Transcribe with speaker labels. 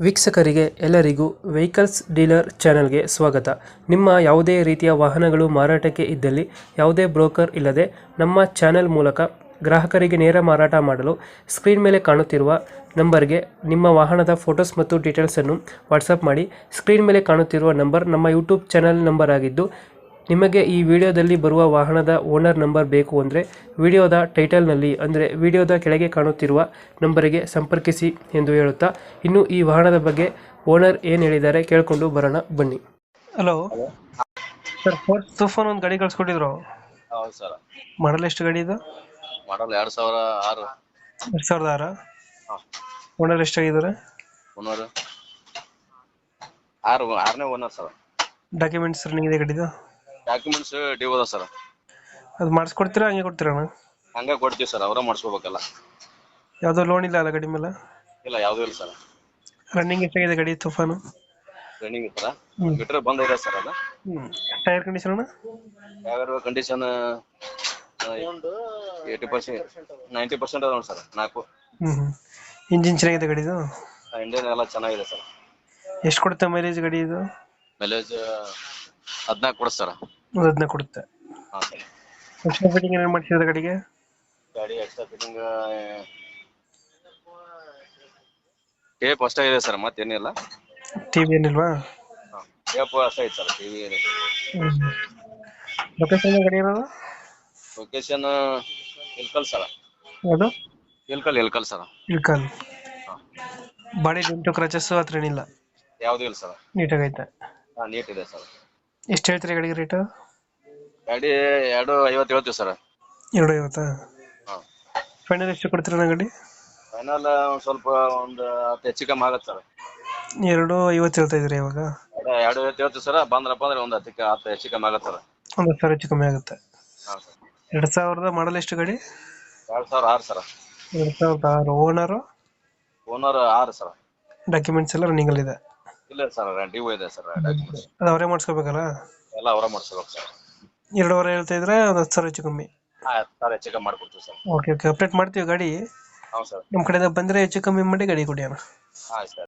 Speaker 1: ವೀಕ್ಷಕರಿಗೆ ಎಲ್ಲರಿಗೂ vehicles dealer ಚಾನೆಲ್ಗೆ ಸ್ವಾಗತ. ನಿಮ್ಮ ಯಾವುದೇ ರೀತಿಯ ವಾಹನಗಳು ಮಾರಾಟಕ್ಕೆ ಇದ್ದಲ್ಲಿ ಯಾವುದೇ ಬ್ರೋಕರ್ ಇಲ್ಲದೆ ನಮ್ಮ ಚಾನೆಲ್ ಮೂಲಕ ಗ್ರಾಹಕರಿಗೆ ನೇರ ಮಾರಾಟ ಮಾಡಲು ಸ್ಕ್ರೀನ್ ಮೇಲೆ ಕಾಣುತ್ತಿರುವ ನಂಬರ್ಗೆ ನಿಮ್ಮ ವಾಹನದ ಫೋಟೋಸ್ ಮತ್ತು ಡೀಟೇಲ್ಸನ್ನು ವಾಟ್ಸಪ್ ಮಾಡಿ. ಸ್ಕ್ರೀನ್ ಮೇಲೆ ಕಾಣುತ್ತಿರುವ ನಂಬರ್ ನಮ್ಮ ಯೂಟ್ಯೂಬ್ ಚಾನೆಲ್ ನಂಬರ್ ಆಗಿದ್ದು, ನಿಮಗೆ ಈ ವಿಡಿಯೋದಲ್ಲಿ ಬರುವ ವಾಹನದ ಓನರ್ ನಂಬರ್ ಬೇಕು ಅಂದರೆ ವಿಡಿಯೋದ ಟೈಟಲ್ನಲ್ಲಿ ಅಂದರೆ ವಿಡಿಯೋದ ಕೆಳಗೆ ಕಾಣುತ್ತಿರುವ ನಂಬರಿಗೆ ಸಂಪರ್ಕಿಸಿ ಎಂದು ಹೇಳುತ್ತಾ, ಇನ್ನು ಈ ವಾಹನದ ಬಗ್ಗೆ ಓನರ್ ಏನು ಹೇಳಿದ್ದಾರೆ ಕೇಳಿಕೊಂಡು ಬರೋಣ ಬನ್ನಿ. ಹಲೋ ಸರ್, ಫೋರ್ಡ್ ತೂಫಾನ್ ಒಂದು ಗಾಡಿ ಕಳ್ಸ್ಕೊಟ್ಟಿದ್ರು.
Speaker 2: ಹೌದು ಸರ್.
Speaker 1: ಮಾಡಲ್ ಎಷ್ಟು ಗಾಡಿ ಇದು?
Speaker 2: ಮಾಡಲ್ 2006.
Speaker 1: 2006.
Speaker 2: ಹಾಂ.
Speaker 1: ಓನರ್ ಎಷ್ಟಾಗಿದ್ದಾರೆ?
Speaker 2: ಓನರ್ ಆರನೇ ಓನರ್ ಸರ್.
Speaker 1: ಡಾಕ್ಯುಮೆಂಟ್ಸ್ ರನ್ನಿಂಗ್ ಇದೆ ಗಾಡಿದು?
Speaker 2: ಡಾಕ್ಯುಮೆಂಟ್ಸ್ ಡ್ಯೂ ಅದ ಸರ್.
Speaker 1: ಅದು ಮಾಡಿಸ್ಕೊಡ್ತೀರಾ ಹಂಗೆ ಕೊಡ್ತೀರಣ್ಣ?
Speaker 2: ಹಂಗೆ ಕೊಡ್ತೀವಿ ಸರ್, ಅವರೇ ಮಾಡಿಸ್ಕೋಬೇಕಲ್ಲ.
Speaker 1: ಯಾವುದೋ ಲೋನ್ ಇಲ್ಲ ಅಲ್ಲ ಗಾಡಿ ಮೇಲೆ?
Speaker 2: ಇಲ್ಲ, ಯಾವುದೂ ಇಲ್ಲ ಸರ್.
Speaker 1: ರನ್ನಿಂಗ್ ಎಷ್ಟಾಗಿದೆ ಗಾಡಿ ತೂಫಾನು?
Speaker 2: ರನ್ನಿಂಗ್ ಇತ್ತು ಬಿಟ್ರೆ ಬಂದ್ ಇದೆ ಸರ್. ಅದು
Speaker 1: ಟೈರ್ ಕಂಡೀಷನ್ ಅಣ್ಣ?
Speaker 2: ಯಾವ ಕಂಡೀಷನ್ 80% 90% ಅದ ನೋಡಿ ಸರ್. 4
Speaker 1: ಇಂಜಿನ್ ಚೆನ್ನಾಗಿದೆ ಗಾಡಿದು?
Speaker 2: ಇಂಡಿಯನ್ ಎಲ್ಲ ಚೆನ್ನಾಗಿದೆ ಸರ್.
Speaker 1: ಎಷ್ಟು ಕೊಡುತ್ತೆ ಮೈಲೇಜ್ ಗಾಡಿ ಇದು?
Speaker 2: ಮೈಲೇಜ್ 14 ಕೊಡುತ್ತೆ ಸರ್.
Speaker 1: 15 ಕೊಡುತ್ತೆ.
Speaker 2: ಹಾಂ ಸರ್.
Speaker 1: ಎಕ್ಸ್ಟ್ರಾ ಫಿಟ್ಟಿಂಗ್ ಏನೇನು ಮಾಡ್ಸಿದ್ರೆ ಗಾಡಿಗೆ?
Speaker 2: ಗಾಡಿ ಎಕ್ಸ್ಟ್ರಾ ಫಿಟ್ಟಿಂಗ್ ಟೇಪ್ ಅಷ್ಟೇ ಇದೆ ಸರ್, ಮತ್ತೇನಿಲ್ಲ.
Speaker 1: ಟಿವಿ ಏನಿಲ್ವಾ?
Speaker 2: ಹಾಂ, ಟೇಪ್ ಅಷ್ಟೇ ಐತೆ ಸರ್, ಟಿವಿ ಇದೆ.
Speaker 1: ಲೊಕೇಶನ್ ಗಾಡಿ ಇರೋದು?
Speaker 2: Location Ilkal sir.
Speaker 1: ಯಾವುದು?
Speaker 2: ಇಲ್ಕಲ್ ಸರ್.
Speaker 1: ಇಳ್ಕಲ್.
Speaker 2: ಹಾಂ.
Speaker 1: ಬಾಡಿ ಡೆಂಟು ಕ್ರಚಸ್ ಹತ್ರ ಏನಿಲ್ಲ?
Speaker 2: ಯಾವುದೂ ಇಲ್ಲ ಸರ್.
Speaker 1: ನೀಟಾಗೈತೆ.
Speaker 2: ಹಾಂ, ನೀಟ್ ಇದೆ ಸರ್.
Speaker 1: ಎಷ್ಟು ಹೇಳ್ತೀರಿ ಗಾಡಿಗೆ ರೇಟು?
Speaker 2: ಗಾಡಿ 250 ಹೇಳ್ತೀವಿ ಸರ್.
Speaker 1: 250?
Speaker 2: ಹಾಂ.
Speaker 1: ಫೈನಲ್ ಎಷ್ಟು ಕೊಡ್ತೀರಣ್ಣ ಗಾಡಿ?
Speaker 2: ಫೈನಲ್ ಸ್ವಲ್ಪ ಒಂದು 10 ಹೆಚ್ಚು ಕಮ್ಮಿ ಆಗತ್ತೆ ಸರ್.
Speaker 1: 250 ಹೇಳ್ತಾ ಇದ್ದೀರಿ ಇವಾಗ?
Speaker 2: 250 ಹೇಳ್ತೀವಿ ಸರ್. ಬಂದ್ರಪ್ಪ ಅಂದ್ರೆ ಒಂದು 10 ಹೆಚ್ಚು ಕಮ್ಮಿ ಆಗತ್ತೆ ಸರ್.
Speaker 1: ಒಂದು 10,000 ಹೆಚ್ಚು ಕಮ್ಮಿ ಆಗುತ್ತೆ.
Speaker 2: ಹಾಂ ಸರ್.
Speaker 1: 2000 ಮಾಡಲ್ ಎಷ್ಟು ಗಾಡಿ?
Speaker 2: 2006 ಸರ್.
Speaker 1: 2006. ಓನರು?
Speaker 2: Owner 6 sir.
Speaker 1: ಡಾಕ್ಯುಮೆಂಟ್ಸ್ ಎಲ್ಲ ರನ್ನಿಂಗ್ ಇದೆ?
Speaker 2: ಇಲ್ಲ ಸರ್, ಡ್ಯೂ ಇದೆ ಸರ್ ಡಾಕ್ಯುಮೆಂಟ್ಸ್.
Speaker 1: ಅದು ಅವರೇ ಮಾಡಿಸ್ಕೋಬೇಕಲ್ಲ?
Speaker 2: ಎಲ್ಲ ಅವರೇ ಮಾಡಿಸ್ಬೇಕು ಸರ್.
Speaker 1: 2,500 ಹೇಳ್ತಾ ಇದ್ರೆ ಒಂದು 10,000 ಹೆಚ್ಚು ಕಮ್ಮಿ?
Speaker 2: ಹಾಂ, 10 ಹೆಚ್ಚು ಕಮ್ಮಿ ಮಾಡ್ಕೊಡ್ತೀವಿ ಸರ್.
Speaker 1: ಓಕೆ ಓಕೆ, ಅಪ್ಡೇಟ್ ಮಾಡ್ತೀವಿ ಗಾಡಿ.
Speaker 2: ಹೌದು ಸರ್.
Speaker 1: ನಮ್ಮ ಕಡೆಯಿಂದ ಬಂದರೆ ಹೆಚ್ಚು ಕಮ್ಮಿ ಮಾಡಿ ಗಾಡಿ ಕೊಡಿ ಅಣ್ಣ.
Speaker 2: ಹಾಂ ಸರ್.